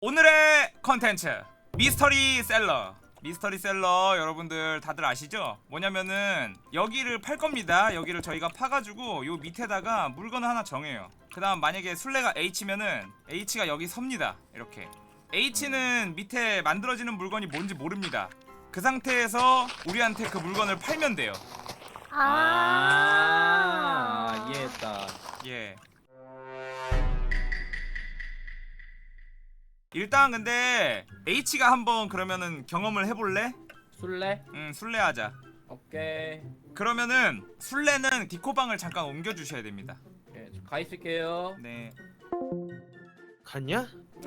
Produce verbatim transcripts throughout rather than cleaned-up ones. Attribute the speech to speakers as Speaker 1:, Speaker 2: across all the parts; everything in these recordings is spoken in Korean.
Speaker 1: 오늘의 컨텐츠 미스터리 셀러. 미스터리 셀러 여러분들 다들 아시죠? 뭐냐면은 여기를 팔 겁니다. 여기를 저희가 파가지고 요 밑에다가 물건을 하나 정해요. 그 다음 만약에 술래가 H면은 H가 여기 섭니다. 이렇게 H는 밑에 만들어지는 물건이 뭔지 모릅니다. 그 상태에서 우리한테 그 물건을 팔면 돼요.
Speaker 2: 아, 이해했다.
Speaker 1: 예. 일단 근데 H가 한번 그러면은 경험을 해볼래?
Speaker 2: 술래?
Speaker 1: 응, 술래하자.
Speaker 2: 오케이.
Speaker 1: 그러면은 술래는 디코방을 잠깐 옮겨주셔야 됩니다.
Speaker 2: 예, 저가 있을게요.
Speaker 1: 네.
Speaker 3: 갔냐?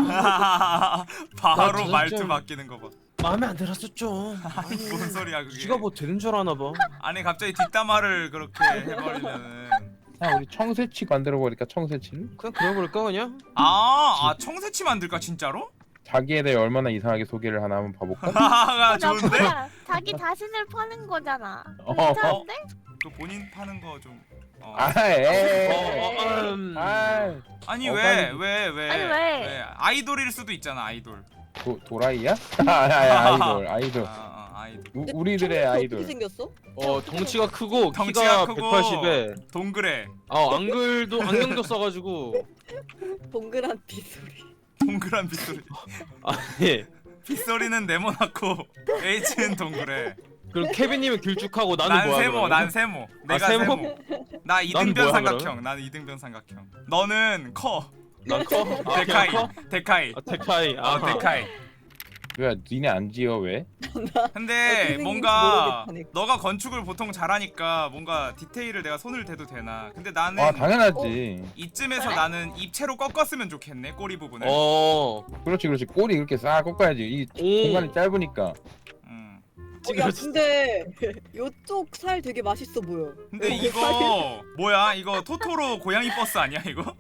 Speaker 1: 바로
Speaker 3: 나
Speaker 1: 말투
Speaker 3: 좀-
Speaker 1: 바뀌는 거 봐.
Speaker 3: 마음에 안 들었어 좀.
Speaker 1: 아니 뭔 소리야 그게.
Speaker 3: 지가 뭐 되는 줄 아나 봐.
Speaker 1: 아니 갑자기 뒷담화를 그렇게 해버리면은.
Speaker 4: 아 우리 청새치 만들어 버릴까 청새치를?
Speaker 3: 그냥 그래버릴까 그냥?
Speaker 1: 아, 아 청새치 만들까 진짜로?
Speaker 4: 자기에 대해 얼마나 이상하게 소개를 하나 한번 봐볼까?
Speaker 1: 아 좋은데?
Speaker 5: 뭐야? 자기 자신을 파는 거잖아.
Speaker 4: 어.
Speaker 5: 괜찮은데?
Speaker 1: 그 본인 파는 거 좀. 어.
Speaker 4: 아, 에.
Speaker 3: 어, 어, 음.
Speaker 4: 아,
Speaker 1: 아니
Speaker 4: 어,
Speaker 1: 왜
Speaker 4: 빨리.
Speaker 1: 왜 왜?
Speaker 5: 아니, 왜?
Speaker 1: 아이돌일 수도 있잖아 아이돌.
Speaker 4: 도, 도라이야? 아, 아, 아이돌, 아이돌.
Speaker 1: 아, 아 아이돌.
Speaker 4: 우, 우리들의 아이돌.
Speaker 6: 어떻게 생겼어?
Speaker 3: 어 덩치가 크고
Speaker 1: 덩치가
Speaker 3: 키가
Speaker 1: 크고
Speaker 3: 백팔십에
Speaker 1: 동그래.
Speaker 3: 어 안글도 안경도 써가지고
Speaker 6: 동그란 빗소리.
Speaker 1: 동그란 빗소리.
Speaker 3: 아니
Speaker 1: 빗소리는 네모나고 H는 동그래.
Speaker 3: 그리고 케빈님은 길쭉하고 나는
Speaker 1: 난
Speaker 3: 뭐야
Speaker 1: 세모,
Speaker 3: 그러면?
Speaker 1: 난 세모. 내가
Speaker 3: 세모?
Speaker 1: 세모. 나 이등변
Speaker 3: 뭐야,
Speaker 1: 삼각형. 나는 이등변 삼각형. 너는 커.
Speaker 3: 난 커? 아,
Speaker 1: 데카이.
Speaker 3: 그냥 커?
Speaker 1: 데카이.
Speaker 3: 아 테카이 아
Speaker 1: 어, 데카이.
Speaker 4: 왜 니네 안 지어 왜?
Speaker 1: 근데
Speaker 6: 어떻게
Speaker 1: 뭔가
Speaker 6: 생긴지 모르겠다니까.
Speaker 1: 너가 건축을 보통 잘하니까 뭔가 디테일을 내가 손을 대도 되나? 근데 나는
Speaker 4: 아 당연하지.
Speaker 1: 이쯤에서 나는 입체로 꺾었으면 좋겠네 꼬리 부분을.
Speaker 3: 어
Speaker 4: 그렇지 그렇지 꼬리 이렇게 싹 꺾어야지. 이
Speaker 3: 오.
Speaker 4: 공간이 짧으니까.
Speaker 1: 음.
Speaker 6: 어, 야 근데 요쪽 살 되게 맛있어 보여.
Speaker 1: 근데
Speaker 6: 어,
Speaker 1: 이거 뭐야? 이거 토토로 고양이 버스 아니야 이거?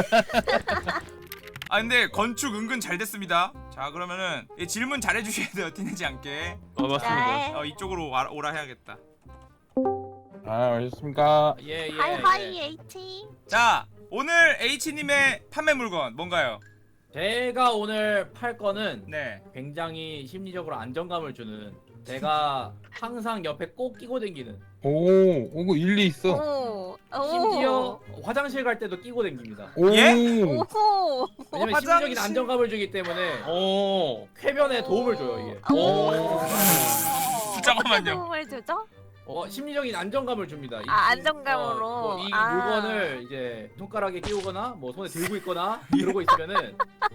Speaker 1: 아 근데 건축 은근 잘 됐습니다. 자 그러면은 이 질문 잘 해주셔야 돼요. 티내지 않게.
Speaker 3: 어, 맞습니다.
Speaker 5: 네.
Speaker 1: 어 이쪽으로 와, 오라 해야겠다.
Speaker 4: 아 오셨습니까?
Speaker 2: 예, 예.
Speaker 5: 하이
Speaker 2: 예.
Speaker 5: 하이 H.
Speaker 1: 자 오늘 H님의 판매 물건 뭔가요?
Speaker 2: 제가 오늘 팔 거는
Speaker 1: 네.
Speaker 2: 굉장히 심리적으로 안정감을 주는, 제가 항상 옆에 꼭 끼고 다니는,
Speaker 4: 오, 오고 일리 있어.
Speaker 5: 오. 오.
Speaker 2: 심지어 화장실 갈 때도 끼고 다닙니다.
Speaker 4: 오.
Speaker 1: 예?
Speaker 5: 오호.
Speaker 2: 왜냐면
Speaker 1: 화장실-
Speaker 2: 심리적인 안정감을 주기 때문에
Speaker 3: 어
Speaker 2: 쾌변에 도움을 줘요 이게.
Speaker 5: 오.
Speaker 1: 잠깐만요.
Speaker 5: 도움을 주죠?
Speaker 2: 어, 심리적인 안정감을 줍니다. 이-
Speaker 5: 아, 안정감으로.
Speaker 2: 어, 뭐이
Speaker 5: 아.
Speaker 2: 물건을 이제 손가락에 끼우거나 뭐 손에 들고 있거나 이러고 있으면은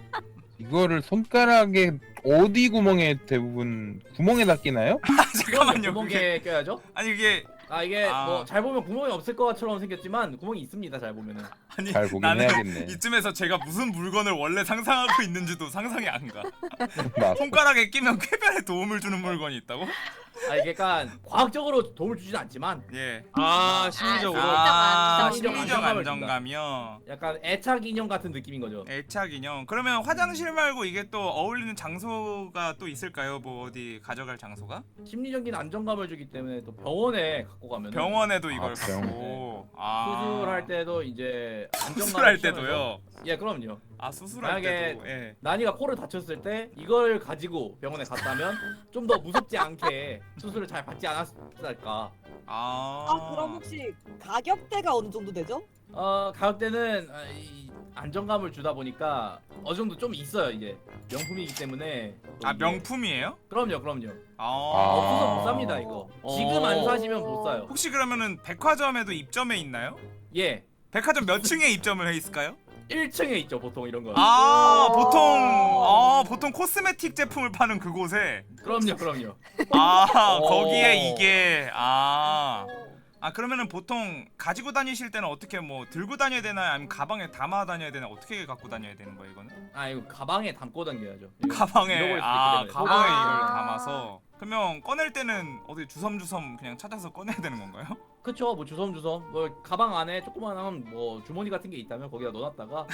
Speaker 4: 이거를 손가락에 어디 구멍에 대부분 구멍에다 끼나요?
Speaker 1: 아, 잠깐만요. 그게
Speaker 2: 구멍에 껴야죠.
Speaker 1: 아니 이게
Speaker 2: 아 이게
Speaker 1: 아.
Speaker 2: 뭐 잘 보면 구멍이 없을 것처럼 생겼지만 구멍이 있습니다. 잘 보면은.
Speaker 1: 아니
Speaker 4: 잘 보긴
Speaker 1: 나는
Speaker 4: 해야겠네.
Speaker 1: 이쯤에서 제가 무슨 물건을 원래 상상하고 있는지도 상상이 안 가.
Speaker 4: 나
Speaker 1: 손가락에 끼면 쾌변에 도움을 주는 물건이 있다고?
Speaker 2: 아 이게 약간 과학적으로 도움을 주진 않지만
Speaker 1: 예.
Speaker 3: 아 심리적으로
Speaker 1: 아,
Speaker 5: 심리적
Speaker 1: 심리적
Speaker 2: 안정감을
Speaker 1: 안정감이요.
Speaker 2: 약간 애착 인형 같은 느낌인 거죠.
Speaker 1: 애착 인형. 그러면 화장실 말고 이게 또 어울리는 장소가 또 있을까요? 뭐 어디 가져갈 장소가?
Speaker 2: 심리적인 안정감을 주기 때문에 또 병원에 갖고 가면
Speaker 1: 병원에도 이걸
Speaker 4: 아, 병원.
Speaker 1: 갖고. 아.
Speaker 2: 수술할 때도 이제 안정감을
Speaker 1: 수술할
Speaker 2: 취하면서-
Speaker 1: 때도요.
Speaker 2: 예 그럼요.
Speaker 1: 아 수술할
Speaker 2: 만약에
Speaker 1: 때도. 예.
Speaker 2: 난이가 코를 다쳤을 때 이걸 가지고 병원에 갔다면 좀 더 무섭지 않게 수술을 잘 받지 않았을까.
Speaker 1: 아.
Speaker 6: 아 그럼 혹시 가격대가 어느 정도 되죠?
Speaker 2: 어 가격대는 아, 이 안정감을 주다 보니까 어느 정도 좀 있어요. 이제 명품이기 때문에. 또
Speaker 1: 아
Speaker 2: 이게-
Speaker 1: 명품이에요?
Speaker 2: 그럼요 그럼요.
Speaker 1: 아.
Speaker 2: 없어서 못 삽니다 이거. 지금 안
Speaker 3: 어.
Speaker 2: 사시면 못 사요.
Speaker 1: 혹시 그러면은 백화점에도 입점해 있나요?
Speaker 2: 예.
Speaker 1: 백화점 몇 층에 입점을 해 있을까요?
Speaker 2: 일 층에 있죠 보통 이런 거.
Speaker 1: 아
Speaker 6: 오.
Speaker 1: 보통 아 보통 코스메틱 제품을 파는 그곳에
Speaker 2: 그럼요 그럼요.
Speaker 1: 아
Speaker 3: 오.
Speaker 1: 거기에 이게 아. 아 그러면은 보통 가지고 다니실 때는 어떻게 뭐 들고 다녀야 되나요? 아니면 가방에 담아 다녀야 되나? 어떻게 갖고 다녀야 되는 거예요 이거는?
Speaker 2: 아 이거 가방에 담고 당겨야죠. 이거
Speaker 1: 가방에
Speaker 2: 잃어버릴 수도
Speaker 1: 아
Speaker 2: 있기 때문에.
Speaker 1: 가방에
Speaker 5: 아.
Speaker 1: 이걸 담아서 그러면 꺼낼 때는 어디 주섬주섬 그냥 찾아서 꺼내야 되는 건가요?
Speaker 2: 그쵸 뭐 주섬주섬 뭐 가방 안에 조그만한 뭐 주머니 같은 게 있다면 거기다 넣어놨다가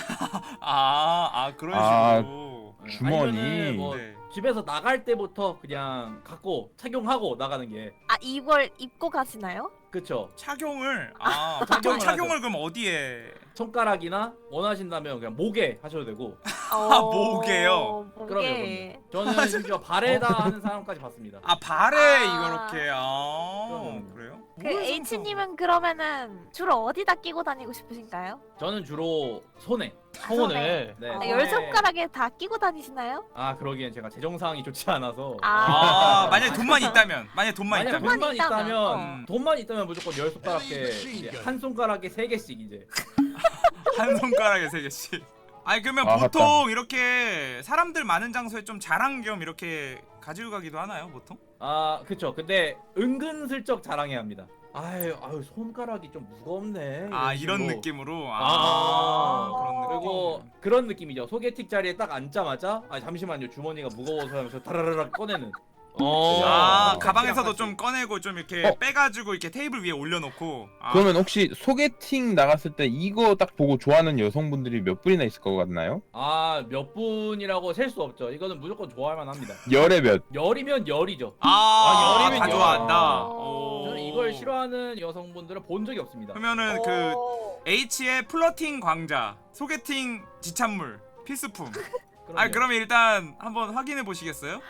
Speaker 1: 아, 아 그런
Speaker 4: 아.
Speaker 1: 식으로.
Speaker 2: 예,
Speaker 4: 주머니.
Speaker 2: 아니면은 뭐
Speaker 1: 네.
Speaker 2: 집에서 나갈 때부터 그냥 갖고 착용하고 나가는 게
Speaker 5: 아 이걸 입고 가시나요?
Speaker 2: 그쵸.
Speaker 1: 착용을 아 보통
Speaker 2: 착용을
Speaker 1: 착용을
Speaker 2: 하죠.
Speaker 1: 그럼 어디에?
Speaker 2: 손가락이나 원하신다면 그냥 목에 하셔도 되고.
Speaker 5: 어,
Speaker 1: 목에요?
Speaker 5: 목에.
Speaker 2: 그럼요, 저는 심지어 발에다 하는 사람까지 봤습니다.
Speaker 1: 아 발에
Speaker 5: 아.
Speaker 1: 이렇게 아
Speaker 2: 그럼.
Speaker 1: 그래요?
Speaker 5: 그 H님은 그러면은 주로 어디다 끼고 다니고 싶으신가요?
Speaker 2: 저는 주로 손에.
Speaker 3: 손에.
Speaker 2: 네.
Speaker 5: 아,
Speaker 6: 아,
Speaker 5: 열 손가락에 다 끼고 다니시나요?
Speaker 2: 아 그러기엔 제가 재정 상황이 좋지 않아서.
Speaker 1: 아 만약에 돈만 있다면 만약에 돈만
Speaker 2: 만약
Speaker 1: 있다면
Speaker 2: 돈만
Speaker 5: 있다면,
Speaker 2: 있다면
Speaker 1: 어.
Speaker 2: 돈만 있다면 무조건 열 손가락에 이제 한 손가락에 세 개씩 이제.
Speaker 1: 한 손가락에 세 개씩. 아니 그러면
Speaker 4: 아,
Speaker 1: 보통 이렇게 사람들 많은 장소에 좀 자랑 겸 이렇게 가지고 가기도 하나요 보통?
Speaker 2: 아 그쵸. 근데 은근슬쩍 자랑해야 합니다. 아유 아유 손가락이 좀 무겁네.
Speaker 1: 아 이런
Speaker 2: 식으로.
Speaker 1: 느낌으로
Speaker 2: 아,
Speaker 1: 아, 그런 느낌.
Speaker 2: 그리고 그런 느낌이죠. 소개팅 자리에 딱 앉자마자 아 잠시만요 주머니가 무거워서 하면서 다라라락 꺼내는.
Speaker 3: 어.
Speaker 1: 아
Speaker 2: 어.
Speaker 1: 가방에서도
Speaker 2: 같이.
Speaker 1: 좀 꺼내고 좀 이렇게
Speaker 4: 어.
Speaker 1: 빼가지고 이렇게 테이블 위에 올려놓고. 아,
Speaker 4: 그러면 혹시 소개팅 나갔을 때 이거 딱 보고 좋아하는 여성분들이 몇 분이나 있을 것 같나요?
Speaker 2: 아 몇 분이라고 셀 수 없죠. 이거는 무조건 좋아할 만합니다.
Speaker 4: 열에 몇?
Speaker 2: 열이면 열이죠.
Speaker 1: 아,
Speaker 3: 아, 열이면
Speaker 1: 다
Speaker 3: 열.
Speaker 1: 좋아한다.
Speaker 5: 어.
Speaker 1: 오.
Speaker 2: 저는 이걸 싫어하는 여성분들을 본 적이 없습니다.
Speaker 1: 그러면은 그
Speaker 6: 어.
Speaker 1: H의 플러팅 광자, 소개팅 지참물, 필수품.
Speaker 2: 그럼요.
Speaker 1: 아 그러면 일단 한번 확인해 보시겠어요?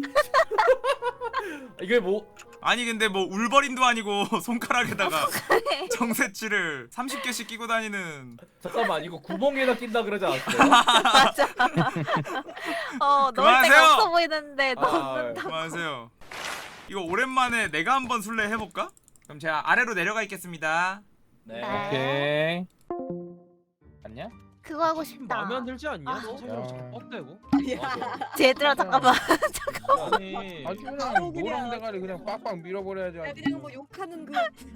Speaker 2: 이게 뭐
Speaker 1: 아니 근데 뭐 울버린도 아니고 손가락에다가 정세치를 삼십 개씩 끼고 다니는.
Speaker 2: 잠깐만 이거 구멍에다 낀다 그러지 않았어요?
Speaker 5: 맞아. 어, 넣을
Speaker 1: 그만하세요.
Speaker 5: 데가 없어 보이는데
Speaker 2: 아,
Speaker 5: 넣는다.
Speaker 1: 그만하세요. 이거 오랜만에 내가 한번 술래 해볼까? 그럼 제가 아래로 내려가 있겠습니다.
Speaker 2: 네.
Speaker 5: 네.
Speaker 4: 오케이. 맞냐?
Speaker 5: 그거 하고 싶다.
Speaker 3: 마음에 안 들지 않냐?
Speaker 5: 아.
Speaker 3: 너 생각 자꾸 뻑대고.
Speaker 5: 얘들아 잠깐만.
Speaker 3: 아니.
Speaker 4: 아주 그냥
Speaker 6: 바로 그냥-
Speaker 4: 노랑 대가리 그냥 빡빡 밀어버려야지.
Speaker 6: 야,
Speaker 4: 아주.
Speaker 6: 그냥 뭐 욕하는 그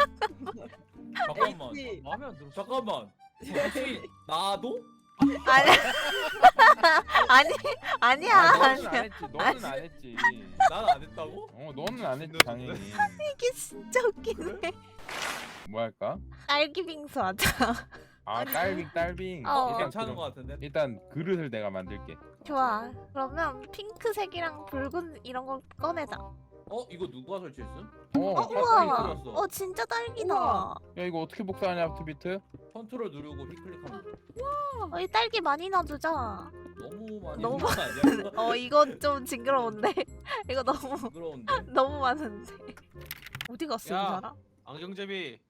Speaker 2: 잠깐만.
Speaker 6: H.
Speaker 3: 마음에 안 들어.
Speaker 2: 잠깐만. 혹시 나도?
Speaker 5: 아니 아니 아니야.
Speaker 4: 아, 너는 안
Speaker 5: 아니야.
Speaker 4: 했지. 너는 안 했지.
Speaker 2: 난 안 했다고?
Speaker 4: 어, 너는 안 했지 당연히.
Speaker 5: 이게 진짜 웃기네.
Speaker 4: 뭐 할까?
Speaker 5: 딸기 빙수 하자.
Speaker 4: 아, 딸빙 딸빙.
Speaker 5: 어.
Speaker 4: 일단
Speaker 2: 괜찮은
Speaker 4: 그럼-
Speaker 2: 것 같은데.
Speaker 4: 일단 그릇을 내가 만들게.
Speaker 5: 좋아. 그러면 핑크색이랑 붉은 이런 걸 꺼내자.
Speaker 2: 어 이거 누가 설치했음?
Speaker 4: 어,
Speaker 5: 어,
Speaker 4: 깜짝이야.
Speaker 5: 우와.
Speaker 2: 들었어.
Speaker 5: 어 진짜 딸기다.
Speaker 6: 우와.
Speaker 4: 야, 이거 어떻게 복사하냐, 아프트비트?
Speaker 2: 컨트롤 누르고 휘클릭하면 돼.
Speaker 5: 어, 이 딸기 많이 넣어주자.
Speaker 2: 너무 많이
Speaker 5: 너무
Speaker 2: 넣은 거 아니야?
Speaker 5: 어 이건 좀 징그러운데. 이거 너무
Speaker 2: 부끄러운데.
Speaker 5: 너무 많은데. 어디 갔어 이
Speaker 3: 야.
Speaker 5: 사람?
Speaker 3: 안경제비.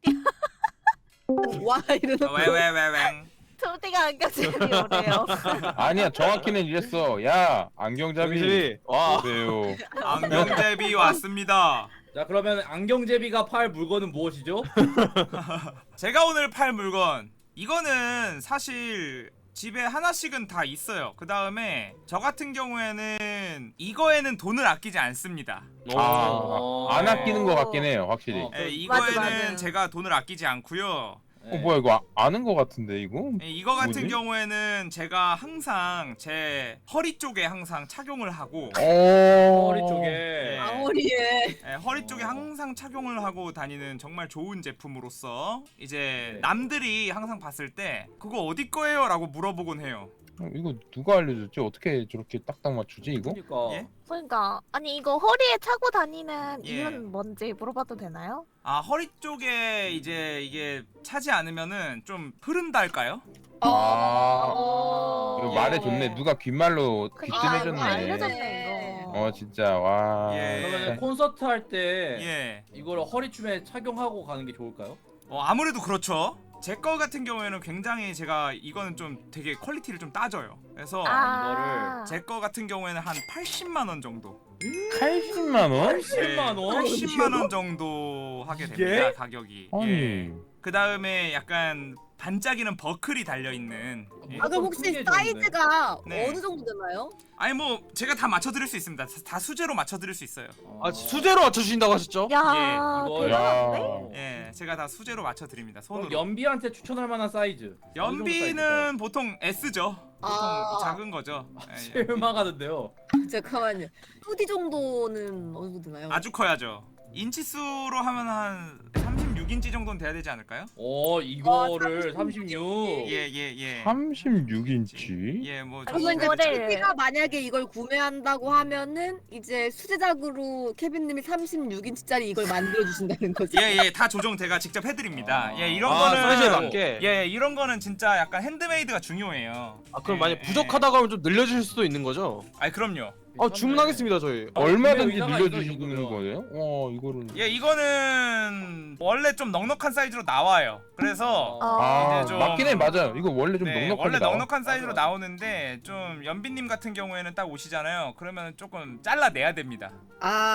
Speaker 6: 와 이러는
Speaker 1: 어, 왜왜 왜 왜?
Speaker 5: 초딩 안경제비 오래요.
Speaker 4: 아니야, 정확히는 이랬어. 야, 안경잡이.
Speaker 3: 안경제비. 와.
Speaker 4: 그래요.
Speaker 1: 안경제비 왔습니다.
Speaker 2: 자 그러면 안경제비가 팔 물건은 무엇이죠?
Speaker 1: 제가 오늘 팔 물건 이거는 사실 집에 하나씩은 다 있어요. 그 다음에 저 같은 경우에는 이거에는 돈을 아끼지 않습니다.
Speaker 4: 아,
Speaker 2: 어.
Speaker 4: 안 아끼는 것 같긴 해요, 확실히.
Speaker 2: 어.
Speaker 1: 예,
Speaker 2: 맞아,
Speaker 1: 이거에는
Speaker 5: 맞아.
Speaker 1: 제가 돈을 아끼지 않고요.
Speaker 2: 네.
Speaker 4: 어, 뭐야, 이거 아, 아는 것 같은데, 이거?
Speaker 1: 예, 이거 같은
Speaker 4: 뭐지?
Speaker 1: 경우에는 제가 항상 제 허리 쪽에 항상 착용을 하고
Speaker 4: 어.
Speaker 2: 허리 쪽에.
Speaker 6: 아무리에
Speaker 1: 예, 허리 쪽에
Speaker 2: 어.
Speaker 1: 항상 착용을 하고 다니는 정말 좋은 제품으로서 이제
Speaker 2: 네.
Speaker 1: 남들이 항상 봤을 때 그거 어디 거예요? 라고 물어보곤 해요.
Speaker 4: 어, 이거 누가 알려줬지? 어떻게 저렇게 딱딱 맞추지, 이거?
Speaker 2: 그러니까.
Speaker 1: 예?
Speaker 5: 그러니까 아니 이거 허리에 차고 다니는
Speaker 1: 예.
Speaker 5: 이유는 뭔지 물어봐도 되나요?
Speaker 1: 아 허리 쪽에 이제 이게 차지 않으면은 좀 흐른다 할까요?
Speaker 4: 아,
Speaker 5: 어.
Speaker 4: 이거 말해줬네. 누가 귓말로
Speaker 5: 그러니까
Speaker 4: 귀뜸해줬네.
Speaker 5: 이거 알려줬네 이거.
Speaker 4: 어, 진짜, 와.
Speaker 1: 예.
Speaker 2: 그러면 콘서트 할 때
Speaker 1: 예.
Speaker 2: 이걸 허리춤에 착용하고 가는 게 좋을까요?
Speaker 1: 어 아무래도 그렇죠. 제 거 같은 경우에는 굉장히 제가 이거는 좀 되게 퀄리티를 좀 따져요. 그래서
Speaker 5: 아.
Speaker 1: 제 거 같은 경우에는 한 팔십만 원 정도.
Speaker 4: 팔십만 원?
Speaker 2: 팔십만 원?
Speaker 1: 팔십만 원 정도 하게
Speaker 2: 이게?
Speaker 1: 됩니다. 가격이.
Speaker 4: 아니.
Speaker 1: 예. 그 다음에 약간 반짝이는 버클이 달려 있는. 예.
Speaker 6: 아 그럼 혹시
Speaker 2: 큰 게 좋은데.
Speaker 6: 사이즈가
Speaker 1: 네.
Speaker 6: 어느 정도 되나요?
Speaker 1: 아니 뭐 제가 다 맞춰드릴 수 있습니다. 다- 다 수제로 맞춰드릴 수 있어요.
Speaker 3: 아 수제로 맞춰주신다고 하셨죠?
Speaker 5: 야
Speaker 1: 예,
Speaker 2: 이걸-
Speaker 5: 대단한데?
Speaker 1: 예, 제가 다 수제로 맞춰드립니다.
Speaker 2: 그럼
Speaker 1: 손으로.
Speaker 2: 연비한테 추천할 만한 사이즈.
Speaker 1: 연비는 보통 S죠. 보통
Speaker 6: 아.
Speaker 1: 작은 거죠. 예, 예.
Speaker 2: 실망하는데요.
Speaker 6: 잠깐만요. 투디 정도는 어느 정도 되나요?
Speaker 1: 아주 커야죠. 인치수로 하면 한 삼십육 삼십육 인치 정도는 돼야 되지 않을까요?
Speaker 2: 오 이거를
Speaker 6: 와,
Speaker 2: 삼십육.
Speaker 1: 예 예 예.
Speaker 4: 삼십육 인치?
Speaker 1: 예, 뭐
Speaker 6: 그러면 이제
Speaker 5: 이거를-
Speaker 6: 케빈이가 만약에 이걸 구매한다고 하면은 이제 수제작으로 케빈님이 삼십육 인치짜리 이걸 만들어 주신다는 거죠.
Speaker 1: 예, 예, 다 조정 제가 직접 해드립니다.
Speaker 2: 아.
Speaker 1: 예, 이런
Speaker 3: 아, 사이즈에
Speaker 1: 거는
Speaker 3: 맞게.
Speaker 1: 예, 예, 이런 거는 진짜 약간 핸드메이드가 중요해요.
Speaker 3: 아 그럼
Speaker 1: 예,
Speaker 3: 만약
Speaker 1: 예.
Speaker 3: 부족하다고 하면 좀 늘려주실 수도 있는 거죠?
Speaker 1: 아이 그럼요.
Speaker 3: 아 주문하겠습니다 저희.
Speaker 2: 아,
Speaker 4: 얼마든지
Speaker 2: 구매 의사가
Speaker 4: 늘려주시는
Speaker 2: 있어, 이거는.
Speaker 4: 거예요? 와 이거를.
Speaker 1: 예, 이거는 원래 좀 넉넉한 사이즈로 나와요. 그래서
Speaker 5: 어.
Speaker 4: 아
Speaker 1: 이제 좀-
Speaker 4: 맞긴 해 맞아요. 이거 원래 좀
Speaker 1: 네,
Speaker 4: 넉넉하게
Speaker 1: 원래
Speaker 4: 나와.
Speaker 1: 넉넉한 사이즈로
Speaker 2: 맞아, 맞아.
Speaker 1: 나오는데 좀 연빈님 같은 경우에는 딱 오시잖아요. 그러면 조금 잘라내야 됩니다. 예,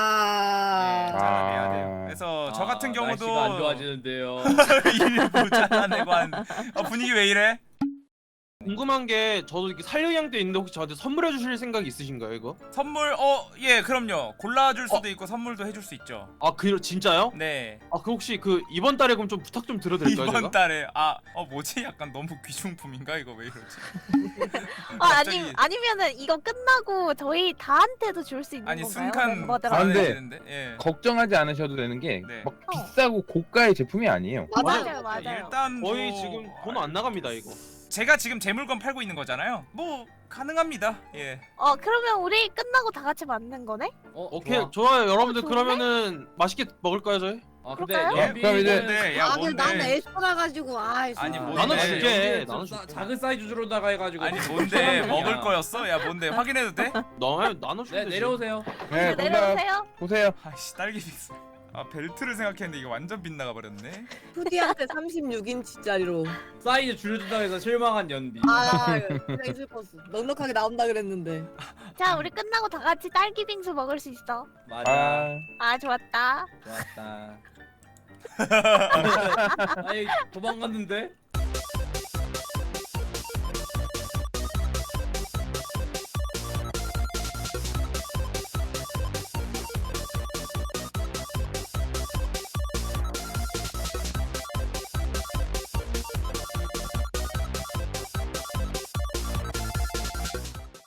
Speaker 6: 아.
Speaker 1: 잘라내야
Speaker 4: 아.
Speaker 1: 돼요. 그래서 저
Speaker 2: 아,
Speaker 1: 같은 경우도
Speaker 2: 날씨가 안 좋아지는데요.
Speaker 1: 일부 잘라내고 한 어, 분위기 왜 이래?
Speaker 3: 궁금한 게 저도 이렇게 살려양도 있는데 혹시 저한테 선물해 주실 생각이 있으신가요 이거?
Speaker 1: 선물 어 예 그럼요. 골라줄 수도 있고 선물도 해줄 수 있죠.
Speaker 3: 아 그 진짜요?
Speaker 1: 네.
Speaker 3: 아 그 혹시 그 이번 달에 그럼 좀 부탁 좀 드려도 될까요
Speaker 1: 이번
Speaker 3: 제가?
Speaker 1: 달에 아 어 뭐지 약간 너무 귀중품인가 이거 왜 이러지?
Speaker 5: 아,
Speaker 1: 갑자기-
Speaker 5: 아니 아니면은 이거 끝나고 저희 다한테도 줄 수 있는
Speaker 1: 아니
Speaker 5: 건가요?
Speaker 1: 순간
Speaker 4: 아,
Speaker 5: 멤버들한테.
Speaker 4: 근데-
Speaker 1: 되는데 예.
Speaker 4: 걱정하지 않으셔도 되는 게 막
Speaker 1: 네.
Speaker 4: 비싸고 고가의 제품이 아니에요.
Speaker 5: 맞아요, 맞아요.
Speaker 1: 일단
Speaker 3: 거의
Speaker 1: 뭐-
Speaker 3: 지금 돈 안 나갑니다 이거.
Speaker 1: 제가 지금 제 물건 팔고 있는 거잖아요. 뭐 가능합니다. 예.
Speaker 5: 어 그러면 우리 끝나고 다 같이 만든 거네?
Speaker 2: 어,
Speaker 3: 오케이
Speaker 2: 좋아.
Speaker 3: 좋아요 여러분들
Speaker 5: 좋은데?
Speaker 3: 그러면은 맛있게 먹을까요 저희?
Speaker 2: 아 근데
Speaker 5: 그럴까요?
Speaker 1: 예,
Speaker 2: 연비는
Speaker 4: 그럼 이제-
Speaker 1: 뭔데? 야
Speaker 6: 아, 근데 나는
Speaker 1: 뭔데?
Speaker 6: 에스쁘라 가지고 아,
Speaker 1: 아니, 뭔데?
Speaker 3: 나눠줄게.
Speaker 2: 연비는 좀
Speaker 3: 나눠줄게.
Speaker 2: 싸- 작은 사이즈로다가 해가지고.
Speaker 1: 아니 뭔데 먹을 거였어? 야 뭔데 확인해도 돼?
Speaker 3: 나 나눠주면
Speaker 2: 네
Speaker 3: 되지.
Speaker 2: 내려오세요.
Speaker 4: 네,
Speaker 5: 네,
Speaker 4: 정답
Speaker 5: 내려오세요.
Speaker 4: 보세요.
Speaker 1: 아씨 딸기 빅스. 아 벨트를 생각했는데 이게 완전 빗나가 버렸네.
Speaker 6: 후디한테 삼십육 인치짜리로.
Speaker 2: 사이즈 줄여준다고 해서 실망한 연비.
Speaker 6: 아, 굉장히 슬펐어. 넉넉하게 나온다 그랬는데.
Speaker 5: 자 우리 끝나고 다 같이 딸기 빙수 먹을 수 있어.
Speaker 2: 맞아.
Speaker 4: 아
Speaker 5: 아 좋았다.
Speaker 2: 좋았다. 아니 도망갔는데?